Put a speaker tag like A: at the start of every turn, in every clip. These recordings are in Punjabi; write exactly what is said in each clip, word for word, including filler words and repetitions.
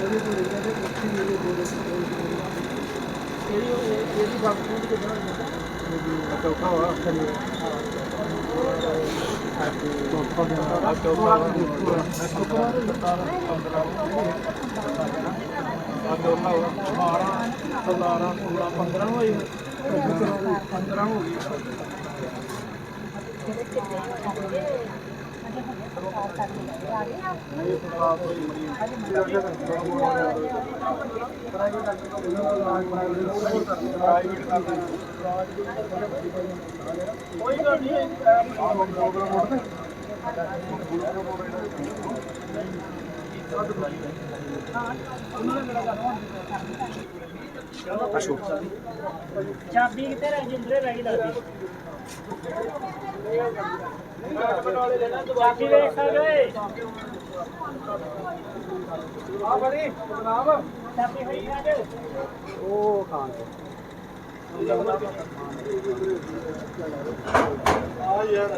A: चौथा हुआ सतारह सोलह पंद्रह हुई पंद्रह हो गई
B: चाबी कितने रह जिंदरे रह गई चाबी देख सकते आ बड़ी जनाब चाबी है यार ओ खान आ यार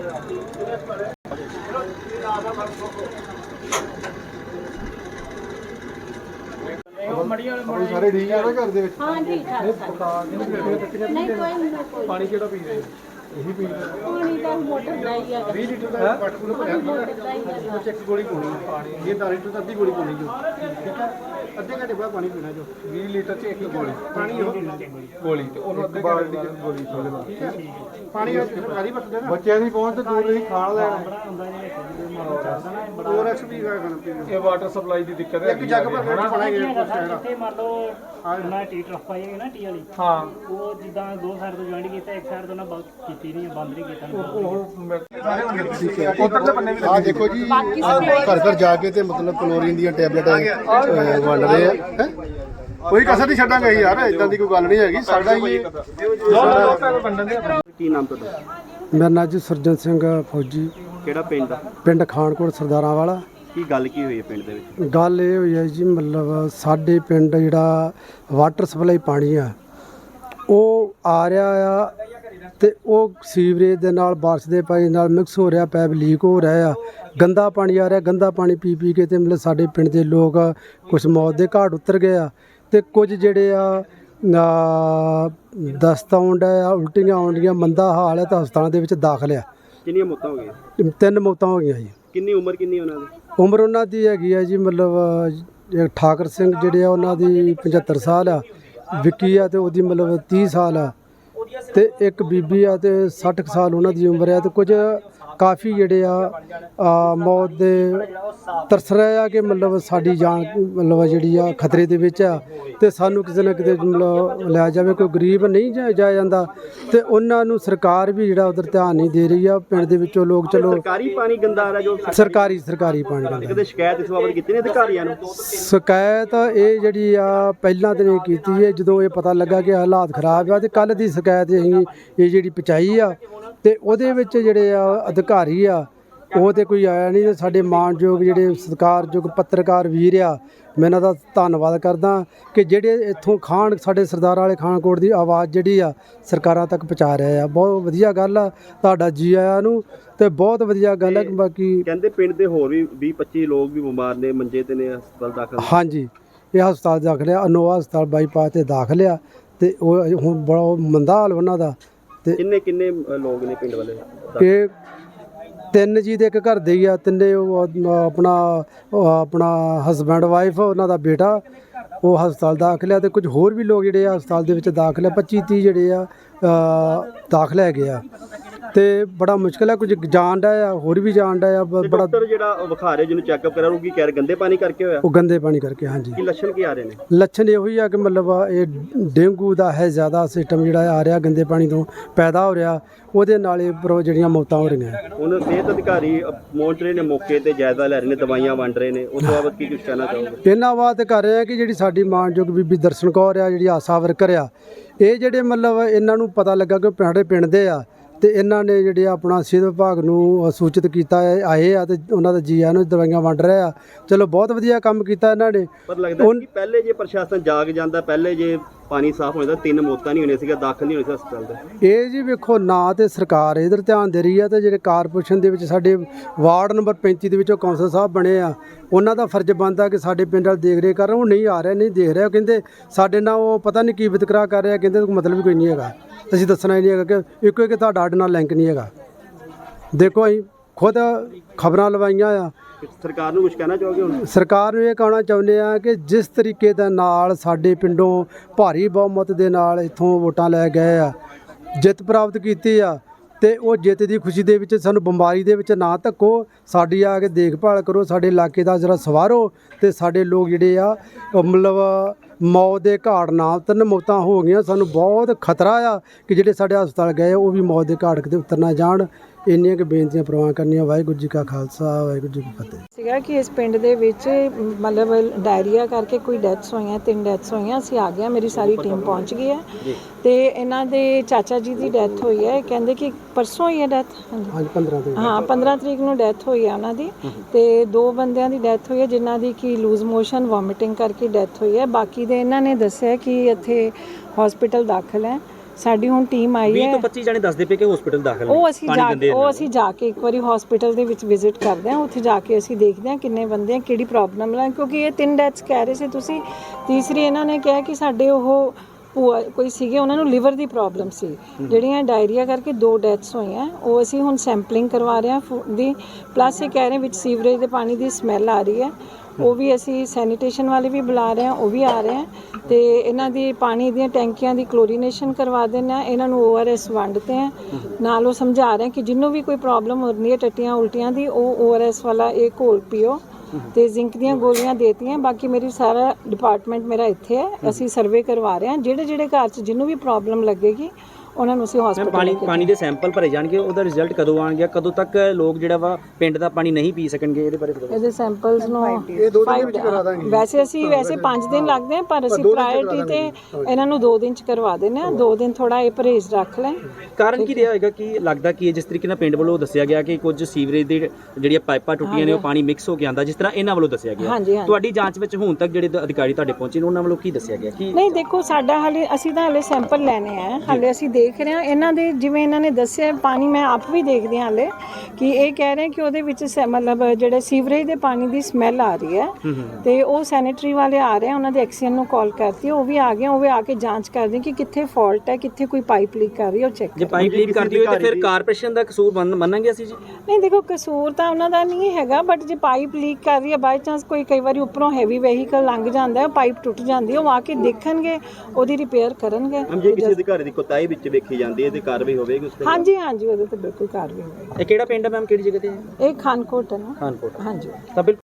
A: सारे ठीक है ना घर दे
C: हाँ जी नहीं कोई
A: पानी केड़ा पी रहे यही पी रहे
C: पानी का मोटर नहीं है
A: बीस लीटर का वाटर कूलर भरना एक गोली पानी पानी ये दस लीटर का आधी गोली पानी जो ठीक है अद्धे घंटे बाद पानी पीना जो बीस लीटर से एक गोली पानी हो गोली ते ਉਹਨੂੰ ਅੱਧੇ ਬਾਲਟੀ ਚ ਗੋਲੀ ਥੋੜੇ ਨਾਲ ਠੀਕ ਹੈ ਪਾਣੀ ਸਰਕਾਰੀ ਵਰਤਦੇ ਨਾ ਬੱਚਿਆਂ ਦੀ ਪਹੁੰਚ ਤੇ ਦੂਰ ਨਹੀਂ ਖਾਣ ਲੈਣਾ ਹੋਰ ਐਕਸਪੀ ਦਾ ਖਾਣਾ ਪੀਣਾ ਇਹ ਵਾਟਰ ਸਪਲਾਈ ਦੀ ਦਿੱਕਤ ਹੈ ਇੱਕ ਜੱਗ ਭਰ ਕੇ ਪਾਣੀ
B: ਇੱਥੇ ਮੰਨ ਲਓ ਨਾ ਟੀ ਟਰਫ ਪਾਈ ਨਾ ਟੀ ਵਾਲੀ
A: ਹਾਂ
B: ਉਹ ਜਿੱਦਾਂ ਦੋ ਸਾਈਡ ਤੋਂ ਜੁਆਇੰਟ ਕੀਤਾ ਇੱਕ ਸਾਈਡ ਤੋਂ ਨਾ ਕੀਤੀ ਨਹੀਂ ਬੰਦ ਨਹੀਂ ਕੀਤਾ
A: ਉਹ ਉਧਰਲੇ ਬੰਨੇ ਵੀ
D: ਆ ਦੇਖੋ ਜੀ ਘਰ ਘਰ ਜਾ ਕੇ ਤੇ ਮਤਲਬ ਕਲੋਰੀਨ ਦੀਆਂ ਟੈਬਲੇਟਾਂ ਵੰਡ ਰਹੇ ਆ ਹੈਂ। ਕੋਈ ਕਸਰ ਨਹੀਂ ਛੱਡਾਂਗੇ ਯਾਰ, ਇਦਾਂ ਦੀ ਕੋਈ ਗੱਲ ਨਹੀਂ ਹੈਗੀ। ਸਾਡਾ ਹੀ
E: ਕੀ ਨਾਮ ਤੁਹਾਡਾ?
F: ਮੇਰਾ ਨਾਂ ਜੀ ਸੁਰਜਨ ਸਿੰਘ ਫੌਜੀ।
E: ਕਿਹੜਾ ਪਿੰਡ ਦਾ?
F: ਪਿੰਡ ਖਾਨਕੋਟ ਸਰਦਾਰਾਂ ਵਾਲਾ।
E: ਕੀ ਗੱਲ ਕੀ ਹੋਈ ਹੈ ਪਿੰਡ ਦੇ ਵਿੱਚ?
F: ਗੱਲ ਇਹ ਹੋਈ ਹੈ ਜੀ, ਮਤਲਬ ਸਾਡੇ ਪਿੰਡ ਜਿਹੜਾ ਵਾਟਰ ਸਪਲਾਈ ਪਾਣੀ ਆ ਉਹ ਆ ਰਿਹਾ ਆ ਤੇ ਉਹ ਸੀਵਰੇਜ ਦੇ ਨਾਲ ਬਾਰਿਸ਼ ਦੇ ਪਾਣੀ ਨਾਲ ਮਿਕਸ ਹੋ ਰਿਹਾ, ਪੈਪ ਲੀਕ ਹੋ ਰਿਹਾ ਆ, ਗੰਦਾ ਪਾਣੀ ਆ ਰਿਹਾ। ਗੰਦਾ ਪਾਣੀ ਪੀ ਪੀ ਕੇ ਤੇ ਮਤਲਬ ਸਾਡੇ ਪਿੰਡ ਦੇ ਲੋਕ ਕੁਝ ਮੌਤ ਦੇ ਘਾਟ ਉਤਰ ਗਏ ਆ ਤੇ ਕੁਝ ਜਿਹੜੇ ਆ ਦਸਤ ਆਉਣ ਡਿਆ, ਉਲਟੀਆਂ ਆਉਂਦੀਆਂ, ਮੰਦਾ ਹਾਲ ਹੈ ਤਾਂ ਹਸਪਤਾਲਾਂ ਦੇ ਵਿੱਚ ਦਾਖਲ ਆ।
E: ਕਿੰਨੀਆਂ ਮੌਤਾਂ ਹੋ ਗਈਆਂ?
F: ਤਿੰਨ ਮੌਤਾਂ ਹੋ ਗਈਆਂ ਜੀ।
E: ਕਿੰਨੀ ਉਮਰ ਕਿੰਨੀ ਉਹਨਾਂ ਦੀ?
F: ਉਮਰ ਉਹਨਾਂ ਦੀ ਹੈਗੀ ਆ ਜੀ ਮਤਲਬ ਠਾਕਰ ਸਿੰਘ ਜਿਹੜੇ ਆ ਉਹਨਾਂ ਦੀ ਪਝੱਤਰ ਸਾਲ ਆ, ਵਿੱਕੀ ਆ ਤੇ ਉਹਦੀ ਮਤਲਬ ਤੀਹ ਸਾਲ ਆ ਤੇ ਇੱਕ ਬੀਬੀ ਆ ਤੇ ਸੱਠ ਕੁ ਸਾਲ ਉਹਨਾਂ ਦੀ ਉਮਰ ਆ ਤੇ ਕੁਝ ਕਾਫੀ ਜਿਹੜੇ ਆ ਮੌਤ ਦੇ ਤਰਸ ਰਹੇ ਆ ਕਿ ਮਤਲਬ ਸਾਡੀ ਜਾਨ ਮਤਲਬ ਜਿਹੜੀ ਆ ਖਤਰੇ ਦੇ ਵਿੱਚ ਆ ਤੇ ਸਾਨੂੰ ਕਿਸੇ ਨਾ ਕਿਤੇ ਮਤਲਬ ਲਿਆ ਜਾਵੇ। ਕੋਈ ਗਰੀਬ ਨਹੀਂ ਜਾਇਆ ਜਾਂਦਾ ਤੇ ਉਹਨਾਂ ਨੂੰ ਸਰਕਾਰ ਵੀ ਜਿਹੜਾ ਉਧਰ ਧਿਆਨ ਨਹੀਂ ਦੇ ਰਹੀ ਆ। ਪਿੰਡ ਦੇ ਵਿੱਚੋਂ ਲੋਕ ਚਲੋ
E: ਸਰਕਾਰੀ ਪਾਣੀ ਗੰਦਾ ਆ ਰਿਹਾ ਜੋ
F: ਸਰਕਾਰੀ ਸਰਕਾਰੀ ਪਾਣੀ ਗੰਦਾ।
E: ਕਦੇ ਸ਼ਿਕਾਇਤ ਇਸ ਬਾਬਤ ਕੀਤੀ ਨੇ ਅਧਿਕਾਰੀਆਂ ਨੂੰ?
F: ਸ਼ਿਕਾਇਤ ਇਹ ਜਿਹੜੀ ਆ ਪਹਿਲਾਂ ਤਾਂ ਨਹੀਂ ਕੀਤੀ ਹੈ, ਜਦੋਂ ਇਹ ਪਤਾ ਲੱਗਾ ਕਿ ਹਾਲਾਤ ਖਰਾਬ ਆ ਤੇ ਕੱਲ੍ਹ ਦੀ ਸ਼ਿਕਾਇਤ ਅਸੀਂ ਇਹ ਜਿਹੜੀ ਪਹੁੰਚਾਈ ਆ ਤੇ ਉਹਦੇ ਵਿੱਚ ਜਿਹੜੇ ਆ ਅਧਿਕਾਰੀ ਆ ਉਹ ਤੇ ਕੋਈ ਆਇਆ ਨਹੀਂ। ਤੇ ਸਾਡੇ ਮਾਣਯੋਗ ਜਿਹੜੇ ਸਤਿਕਾਰਯੋਗ ਪੱਤਰਕਾਰ ਵੀਰ ਆ, ਮੈਂ ਇਹਨਾਂ ਦਾ ਧੰਨਵਾਦ ਕਰਦਾ ਕਿ ਜਿਹੜੇ ਇੱਥੋਂ ਖਾਨ ਸਾਡੇ ਸਰਦਾਰਾਂ ਵਾਲੇ ਖਾਨਕੋਟ ਦੀ ਆਵਾਜ਼ ਜਿਹੜੀ ਆ ਸਰਕਾਰਾਂ ਤੱਕ ਪਹੁੰਚਾ ਰਹੇ ਆ। ਬਹੁਤ ਵਧੀਆ ਗੱਲ ਆ, ਤੁਹਾਡਾ ਜੀ ਆਇਆਂ ਨੂੰ ਤੇ ਬਹੁਤ ਵਧੀਆ ਗੱਲ ਹੈ। ਬਾਕੀ
E: ਕਹਿੰਦੇ ਪਿੰਡ ਦੇ ਹੋਰ ਵੀ ਵੀਹ ਪੱਚੀ ਲੋਕ ਵੀ ਬਿਮਾਰ ਨੇ, ਮੰਜੇ ਤੇ ਨੇ, ਹਸਪਤਾਲ ਦਾਖਲ।
F: ਹਾਂਜੀ, ਇਹ ਹਸਪਤਾਲ ਦਾਖਲ ਆ, ਅਨੋਵਾ ਹਸਪਤਾਲ ਬਾਈਪਾਸ ਤੇ ਦਾਖਲ ਆ ਤੇ ਉਹ ਹੁਣ ਬੜਾ ਮੰਦਾ ਹਾਲ ਉਹਨਾਂ ਦਾ। ਤੇ
E: ਕਿੰਨੇ ਕਿੰਨੇ ਲੋਕ ਨੇ ਪਿੰਡ ਵਾਲੇ?
F: ਇਹ ਤਿੰਨ ਜੀ ਦੇ ਇੱਕ ਘਰ ਦੇ ਹੀ ਆ, ਤਿੰਨੇ ਉਹ ਆਪਣਾ ਆਪਣਾ ਹਸਬੈਂਡ ਵਾਈਫ, ਉਹਨਾਂ ਦਾ ਬੇਟਾ, ਉਹ ਹਸਪਤਾਲ ਦਾਖਲ ਆ ਤੇ ਕੁਝ ਹੋਰ ਵੀ ਲੋਕ ਜਿਹੜੇ ਆ ਹਸਪਤਾਲ ਦੇ ਵਿੱਚ ਦਾਖਲ ਆ। ਪੱਚੀ ਤੀਹ ਜਿਹੜੇ ਆ ਦਾਖਲ ਹੈਗੇ ਆ ਤੇ ਬੜਾ ਮੁਸ਼ਕਿਲ ਹੈ। ਕੁਝ ਜਾਣ ਦਾ ਆ, ਹੋਰ ਵੀ ਜਾਣ ਦਾ ਆ। ਬੜਾ
E: ਡਾਕਟਰ ਜਿਹੜਾ ਵਿਖਾ ਰਹੇ ਜਿਹਨੂੰ ਚੈੱਕਅਪ ਕਰਾ ਉਹ ਕੀ ਕਹਿ ਰਹੇ? ਗੰਦੇ ਪਾਣੀ ਕਰਕੇ ਹੋਇਆ?
F: ਉਹ ਗੰਦੇ ਪਾਣੀ ਕਰਕੇ। ਹਾਂਜੀ,
E: ਕੀ ਲੱਛਣ ਕੀ ਆ ਰਹੇ ਨੇ?
F: ਲੱਛਣ ਇਹੋ ਹੀ ਆ ਕਿ ਮਤਲਬ ਇਹ ਡੇਂਗੂ ਦਾ ਹੈ ਜ਼ਿਆਦਾ ਸਿਸਟਮ ਜਿਹੜਾ ਆ ਰਿਹਾ, ਗੰਦੇ ਪਾਣੀ ਤੋਂ ਪੈਦਾ ਹੋ ਰਿਹਾ, ਉਹਦੇ ਨਾਲ ਇਹ ਉੱਪਰੋਂ ਜਿਹੜੀਆਂ ਮੌਤਾਂ ਹੋ ਰਹੀਆਂ।
E: ਹੁਣ ਸਿਹਤ ਅਧਿਕਾਰੀ ਪਹੁੰਚ ਰਹੇ ਨੇ ਮੌਕੇ ਤੇ, ਜਾਇਜ਼ਾ ਲੈ ਰਹੇ ਨੇ, ਦਵਾਈਆਂ ਵੰਡ ਰਹੇ ਨੇ, ਉਸ ਤੋਂ ਬਾਅਦ ਕੀ ਕੁਝ ਕਹਿਣਾ ਚਾਹੋਗੇ?
F: ਇਹਨਾਂ ਬਾਤ ਕਰ ਰਹੇ ਆ ਕਿ ਜਿਹੜੀ ਸਾਡੀ ਮਾਣਯੋਗ ਬੀਬੀ ਦਰਸ਼ਨ ਕੌਰ ਆ, ਜਿਹੜੀ ਆਸਾ ਵਰਕਰ ਆ, ਇਹ ਜਿਹੜੇ ਮਤਲਬ ਇਹਨਾਂ ਨੂੰ ਪਤਾ ਲੱਗਾ ਕਿ ਸਾਡੇ ਪਿੰਡ ਦੇ ਆ ਤੇ ਇਹਨਾਂ ਨੇ ਜਿਹੜੇ ਆਪਣਾ ਸਿਹਤ ਵਿਭਾਗ ਨੂੰ ਸੂਚਿਤ ਕੀਤਾ ਹੈ, ਆਏ ਆ ਤੇ ਉਹਨਾਂ ਦਾ ਜੀ ਆ ਨੂੰ ਦਵਾਈਆਂ ਵੰਡ ਰਹੇ ਆ। ਚਲੋ ਬਹੁਤ ਵਧੀਆ ਕੰਮ ਕੀਤਾ ਇਹਨਾਂ ਨੇ।
E: ਪਰ ਲੱਗਦਾ ਕਿ ਪਹਿਲੇ ਜੇ ਪ੍ਰਸ਼ਾਸਨ ਜਾਗ ਜਾਂਦਾ, ਪਹਿਲੇ ਜੇ ਪਾਣੀ ਸਾਫ਼ ਹੋ ਜਾਂਦਾ, ਤਿੰਨ ਮੌਤਾਂ ਨਹੀਂ ਹੋਣੀਆਂ ਸੀਗਾ, ਦਾਖਲ ਨਹੀਂ ਹੋਣੇ ਸੀ ਹਸਪਤਾਲ ਦੇ।
F: ਇਹ ਜੀ ਵੇਖੋ ਨਾ ਤੇ ਸਰਕਾਰ ਇਧਰ ਧਿਆਨ ਦੇ ਰਹੀ ਆ ਤੇ ਜਿਹੜੇ ਕਾਰਪੋਰੇਸ਼ਨ ਦੇ ਵਿੱਚ ਸਾਡੇ ਵਾਰਡ ਨੰਬਰ ਪੈਂਤੀ ਦੇ ਵਿੱਚੋਂ ਕੌਂਸਲ ਸਾਹਿਬ ਬਣੇ ਆ, ਉਹਨਾਂ ਦਾ ਫਰਜ਼ ਬਣਦਾ ਕਿ ਸਾਡੇ ਪਿੰਡ ਵਾਲ ਦੇਖ ਰੇਖ ਕਰਨ। ਉਹ ਨਹੀਂ ਆ ਰਿਹਾ, ਨਹੀਂ ਦੇਖ ਰਿਹਾ। ਉਹ ਕਹਿੰਦੇ ਸਾਡੇ ਨਾਲ ਉਹ ਪਤਾ ਨਹੀਂ ਕੀ ਵਿਤਕਰਾ ਕਰ ਰਿਹਾ, ਕਹਿੰਦੇ ਕੋਈ ਮਤਲਬ ਕੋਈ ਨਹੀਂ ਹੈਗਾ, ਅਸੀਂ ਦੱਸਣਾ ਹੀ ਨਹੀਂ ਹੈਗਾ ਕਿ ਇੱਕੋ ਇੱਕ ਤੁਹਾਡਾ ਸਾਡੇ ਨਾਲ ਲਿੰਕ ਨਹੀਂ ਹੈਗਾ। ਦੇਖੋ ਅਸੀਂ ਖੁਦ ਖਬਰਾਂ ਲਵਾਈਆਂ ਆ।
E: ਸਰਕਾਰ ਨੂੰ ਕੁਝ ਕਹਿਣਾ ਚਾਹੋਗੇ ਹੁਣ?
F: ਸਰਕਾਰ ਨੂੰ ਇਹ ਕਹਿਣਾ ਚਾਹੁੰਦੇ ਆ ਕਿ ਜਿਸ ਤਰੀਕੇ ਦੇ ਨਾਲ ਸਾਡੇ ਪਿੰਡੋਂ ਭਾਰੀ ਬਹੁਮਤ ਦੇ ਨਾਲ ਇੱਥੋਂ ਵੋਟਾਂ ਲੈ ਗਏ ਆ, ਜਿੱਤ ਪ੍ਰਾਪਤ ਕੀਤੀ ਆ, ਤੇ ਉਹ ਜਿੱਤ ਦੀ ਖੁਸ਼ੀ ਦੇ ਵਿੱਚ ਸਾਨੂੰ ਬਿਮਾਰੀ ਦੇ ਵਿੱਚ ਨਾ ਧੱਕੋ, ਸਾਡੀ ਆ ਕੇ ਦੇਖਭਾਲ ਕਰੋ, ਸਾਡੇ ਇਲਾਕੇ ਦਾ ਜਰਾ ਸਵਾਰੋ, ਤੇ ਸਾਡੇ ਲੋਕ ਜਿਹੜੇ ਆ ਉਹ ਮਤਲਬ ਮੌਤ ਦੇ ਘਾਟ ਨਾ ਉਤਰਨ। ਮੌਤਾਂ ਹੋ ਗਈਆਂ, ਸਾਨੂੰ ਬਹੁਤ ਖਤਰਾ ਆ ਕਿ ਜਿਹੜੇ ਸਾਡੇ ਹਸਪਤਾਲ ਗਏ ਉਹ ਵੀ ਮੌਤ ਦੇ ਘਾਟ ਕਿਤੇ ਉਤਰ ਨਾ ਜਾਣ। ਇੰਨੀਆਂ ਕਿ ਬੇਨਤੀਆਂ ਪ੍ਰਵਾਨ ਕਰਨੀਆਂ। ਵਾਹਿਗੁਰੂ ਜੀ ਕਾ ਖਾਲਸਾ, ਵਾਹਿਗੁਰੂ ਜੀ ਕੀ ਫਤਿਹ।
G: ਸੀਗਾ ਕਿ ਇਸ ਪਿੰਡ ਦੇ ਵਿੱਚ ਮਤਲਬ ਡਾਇਰੀਆ ਕਰਕੇ ਕੋਈ ਡੈਥਸ ਹੋਈਆਂ, ਤਿੰਨ ਡੈਥਸ ਹੋਈਆਂ। ਅਸੀਂ ਆ ਗਏ, ਮੇਰੀ ਸਾਰੀ ਟੀਮ ਪਹੁੰਚ ਗਈ ਹੈ ਤੇ ਇਹਨਾਂ ਦੇ ਚਾਚਾ ਜੀ ਦੀ ਡੈਥ ਹੋਈ ਹੈ। ਕਹਿੰਦੇ ਕਿ ਪਰਸੋਂ ਹੀ ਹੈ ਡੈਥ।
F: ਹਾਂਜੀ ਪੰਦਰਾਂ ਤਰੀਕ
G: ਹਾਂ ਪੰਦਰਾਂ ਤਰੀਕ ਨੂੰ ਡੈਥ ਹੋਈ ਹੈ ਉਹਨਾਂ ਦੀ, ਤੇ ਦੋ ਬੰਦਿਆਂ ਦੀ ਡੈਥ ਹੋਈ ਹੈ ਜਿਨ੍ਹਾਂ ਦੀ ਕਿ ਲੂਜ਼ ਮੋਸ਼ਨ ਵੋਮਿਟਿੰਗ ਕਰਕੇ ਡੈਥ ਹੋਈ ਹੈ। ਬਾਕੀ ਦੇ ਇਹਨਾਂ ਨੇ ਦੱਸਿਆ ਕਿ ਇੱਥੇ ਹਸਪੀਟਲ ਦਾਖਲ ਹੈ। ਸਾਡੀ ਹੁਣ ਟੀਮ ਆਈ ਹੈ।
E: ਵੀਹ ਤੋਂ ਪੱਚੀ ਜਣੇ ਦੱਸਦੇ ਪਏ ਕਿ ਹਸਪੀਟਲ ਦਾਖਲ ਨੇ।
G: ਉਹ ਅਸੀਂ ਜਾ ਉਹ ਅਸੀਂ ਜਾ ਕੇ ਇੱਕ ਵਾਰੀ ਹਸਪੀਟਲ ਦੇ ਵਿੱਚ ਵਿਜ਼ਿਟ ਕਰਦੇ ਹਾਂ। ਉੱਥੇ ਜਾ ਕੇ ਅਸੀਂ ਦੇਖਦੇ ਹਾਂ ਕਿੰਨੇ ਬੰਦੇ ਆ, ਕਿਹੜੀ ਪ੍ਰੋਬਲਮ ਹੈ, ਕਿਉਂਕਿ ਇਹ ਤਿੰਨ ਡੈਥਸ ਕਹਿ ਰਹੇ ਸੀ ਤੁਸੀਂ। ਤੀਸਰੀ ਇਹਨਾਂ ਨੇ ਕਿਹਾ ਕਿ ਸਾਡੇ ਉਹ ਭੂਆ ਕੋਈ ਸੀਗੇ, ਉਹਨਾਂ ਨੂੰ ਲਿਵਰ ਦੀ ਪ੍ਰੋਬਲਮ ਸੀ, ਜਿਹੜੀਆਂ ਡਾਇਰੀਆ ਕਰਕੇ ਦੋ ਡੈਥਸ ਹੋਈਆਂ। ਉਹ ਅਸੀਂ ਹੁਣ ਸੈਂਪਲਿੰਗ ਕਰਵਾ ਰਹੇ ਹਾਂ ਦੀ। ਪਲੱਸ ਇਹ ਕਹਿ ਰਹੇ ਵਿੱਚ ਸੀਵਰੇਜ ਦੇ ਪਾਣੀ ਦੀ ਸਮੈਲ ਆ ਰਹੀ ਹੈ, ਉਹ ਵੀ ਅਸੀਂ ਸੈਨੀਟੇਸ਼ਨ ਵਾਲੇ ਵੀ ਬੁਲਾ ਰਹੇ ਹਾਂ, ਉਹ ਵੀ ਆ ਰਹੇ ਹੈ। ਤੇ ਇਹਨਾਂ ਦੀ ਪਾਣੀ ਦੀਆਂ ਟੈਂਕੀਆਂ ਦੀ ਕਲੋਰੀਨੇਸ਼ਨ ਕਰਵਾ ਦਿੰਦੇ ਹਾਂ, ਇਹਨਾਂ ਨੂੰ ਓ ਆਰ ਐਸ ਵੰਡਦੇ ਹਾਂ। ਨਾਲ ਉਹ ਸਮਝਾ ਰਹੇ ਕਿ ਜਿਹਨੂੰ ਵੀ ਕੋਈ ਪ੍ਰੋਬਲਮ ਹੋ ਰਹੀ ਹੈ ਟੱਟੀਆਂ ਉਲਟੀਆਂ ਦੀ, ਉਹ ਓ ਆਰ ਐਸ ਵਾਲਾ ਇਹ ਘੋਲ ਪੀਓ। ਤੇ ਜ਼ਿੰਕ ਦੀਆਂ ਗੋਲੀਆਂ ਦੇਤੀਆਂ। ਬਾਕੀ ਮੇਰੀ ਸਾਰਾ ਡਿਪਾਰਟਮੈਂਟ ਮੇਰਾ ਇੱਥੇ ਹੈ, ਅਸੀਂ ਸਰਵੇ ਕਰਵਾ ਰਹੇ ਹਾਂ। ਜਿਹੜੇ ਜਿਹੜੇ ਘਰ 'ਚ ਜਿਹਨੂੰ ਵੀ ਪ੍ਰੋਬਲਮ ਲੱਗੇਗੀ ਉਹਨਾਂ ਨੂੰ ਅਸੀਂ ਹਸਪਤਾਲ
E: ਪਾਣੀ ਪਾਣੀ ਦੇ ਸੈਂਪਲ ਭਰੇ ਜਾਣਗੇ, ਉਹਦਾ ਰਿਜ਼ਲਟ ਕਦੋਂ ਆਣਗੇ? ਕਦੋਂ ਤੱਕ ਲੋਕ ਜਿਹੜਾ ਵਾ ਪਿੰਡ ਦਾ ਪਾਣੀ ਨਹੀਂ ਪੀ ਸਕਣਗੇ? ਇਹਦੇ ਬਾਰੇ ਦੱਸੋ।
G: ਇਹਦੇ ਸੈਂਪਲਸ ਨੂੰ
F: ਇਹ ਦੋ ਦਿਨ ਵਿੱਚ ਕਰਾ ਦਾਂਗੇ।
G: ਵੈਸੇ ਅਸੀਂ ਵੈਸੇ ਪੰਜ ਦਿਨ ਲੱਗਦੇ ਆ, ਪਰ ਅਸੀਂ ਪ੍ਰਾਇੋਰਟੀ ਤੇ ਇਹਨਾਂ ਨੂੰ ਦੋ ਦਿਨ ਚ ਕਰਵਾ ਦਿੰਦੇ ਆ। ਦੋ ਦਿਨ ਥੋੜਾ ਇਹ ਪਰਹੇਜ਼ ਰੱਖ ਲੈ।
E: ਕਾਰਨ ਕੀ ਰਿਹਾ ਹੋਏਗਾ? ਕਿ ਲੱਗਦਾ ਕਿ ਜਿਸ ਤਰੀਕੇ ਨਾਲ ਪਿੰਡ ਵੱਲੋਂ ਦੱਸਿਆ ਗਿਆ ਕਿ ਕੁਝ ਸੀਵਰੇਜ ਦੇ ਜਿਹੜੀਆਂ ਪਾਈਪਾਂ ਟੁੱਟੀਆਂ ਨੇ ਉਹ ਪਾਣੀ ਮਿਕਸ ਹੋ ਕੇ ਆਂਦਾ, ਜਿਸ ਤਰ੍ਹਾਂ ਇਹਨਾਂ ਵੱਲੋਂ ਦੱਸਿਆ ਗਿਆ। ਤੁਹਾਡੀ ਜਾਂਚ ਵਿੱਚ ਹੁਣ ਤੱਕ ਜਿਹੜੇ ਅਧਿਕਾਰੀ ਤੁਹਾਡੇ ਪਹੁੰਚੇ ਨੇ ਉਹਨਾਂ ਵੱਲੋਂ ਕੀ ਦੱਸਿਆ ਗਿਆ? ਕਿ ਨਹੀਂ
G: ਦੇਖੋ ਸਾਡਾ ਹਾਲੇ ਅਸੀਂ ਤਾਂ ਹਾਲੇ ਸੈਂਪਲ ਲੈਣੇ ਆ, ਹਾਲੇ ਅਸੀਂ ਦੇਖ ਰਹੇ ਹਾਂ ਇਹਨਾਂ ਦੇ ਜਿਵੇਂ ਇਹਨਾਂ ਨੇ ਦੱਸਿਆ ਪਾਣੀ। ਮੈਂ ਆਪ ਵੀ ਦੇਖਦੀ ਹਾਂ ਹਾਲੇ ਕਿ ਇਹ ਕਹਿ ਰਹੇ ਕਿ ਉਹਦੇ ਵਿੱਚ ਮਤਲਬ ਜਿਹੜੇ ਸੀਵਰੇਜ ਦੇ ਪਾਣੀ ਦੀ ਸਮੈਲ ਆ ਰਹੀ ਹੈ, ਤੇ ਉਹ ਸੈਨੇਟਰੀ ਵਾਲੇ ਆ ਰਹੇ ਆ, ਉਹਨਾਂ ਦੇ ਐਕਸੀਅਨ ਨੂੰ ਕਾਲ ਕਰਤੀ, ਉਹ ਵੀ ਆ ਗਏ। ਉਹ ਵੀ ਆ ਕੇ ਜਾਂਚ ਕਰਦੇ ਕਿ ਕਿੱਥੇ ਫਾਲਟ ਹੈ, ਕਿੱਥੇ ਕੋਈ ਪਾਈਪ ਲੀਕ ਕਰ ਰਹੀ ਹੈ, ਉਹ ਚੈੱਕ।
E: ਜੇ ਪਾਈਪ ਲੀਕ ਕਰਦੀ ਹੋਵੇ ਤਾਂ ਫਿਰ ਕਾਰਪੋਰੇਸ਼ਨ ਦਾ ਕਸੂਰ ਮੰਨਾਂਗੇ ਅਸੀਂ ਜੀ?
G: ਨਹੀਂ ਦੇਖੋ ਕਸੂਰ ਤਾਂ ਉਹਨਾਂ ਦਾ ਨਹੀਂ ਹੈਗਾ, ਬਟ ਜੇ ਪਾਈਪ ਲੀਕ ਕਰ ਰਹੀ ਹੈ ਬਾਈ ਚਾਂਸ ਕੋਈ ਕਈ ਵਾਰੀ ਉੱਪਰੋਂ ਹੈਵੀ ਵਹੀਕਲ ਲੰਘ ਜਾਂਦਾ ਹੈ, ਪਾਈਪ ਟੁੱਟ ਜਾਂਦੀ ਹੈ, ਉਹ ਆ ਕੇ ਦੇਖਣਗੇ, ਉਹਦੀ ਰਿਪੇਅਰ ਕਰਨਗੇ।
E: ਜੇ ਕਿਸੇ ਅਧਿਕਾਰੀ ਦੀ ਕੋਤਾਹੀ ਵਿੱਚ ਵੇਖੀ ਜਾਂਦੀ ਹੈ ਤੇ ਕਾਰਵਾਈ ਹੋਵੇਗੀ ਉਸ ਤੇ?
G: ਹਾਂਜੀ ਹਾਂਜੀ ਉਹਦੇ ਤੇ ਬਿਲਕੁਲ ਕਾਰਵਾਈ ਹੋਵੇਗੀ।
E: ਇਹ ਕਿਹੜਾ ਪਿੰਡ ਹੈ ਮੈਮ, ਕਿਹੜੀ ਜਗ੍ਹਾ ਤੇ ਹੈ?
G: ਇਹ ਖਾਨਕੋਟ ਹੈ ਨਾ?
E: ਖਾਨਕੋਟ।
G: ਹਾਂਜੀ
E: ਤਾਂ